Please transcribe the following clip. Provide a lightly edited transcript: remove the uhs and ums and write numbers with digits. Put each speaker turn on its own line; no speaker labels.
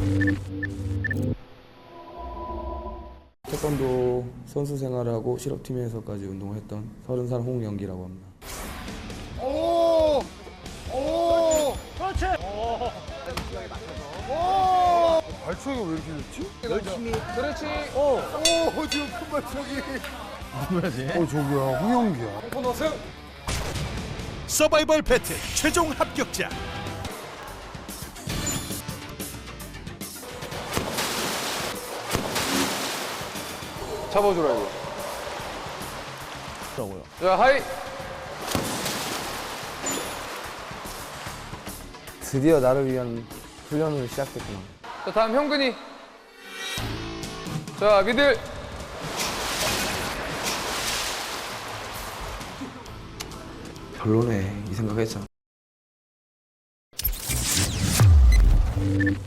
태권도 선수 생활하고 실업팀에서까지 운동을 했던 30살 홍영기라고 합니다.
오! 오! 그렇지! 오! 발차기가 왜 이렇게 좋지?
열심히. 그렇지.
오, 지금 큰 발차기.
누구야지?
저기야, 홍영기야.
서바이벌 배틀 최종 합격자
잡아주라 이거. 자 하이.
드디어 나를 위한 훈련을 시작했구나.
자 다음 형근이. 자 미들.
별로네 이 생각했잖아.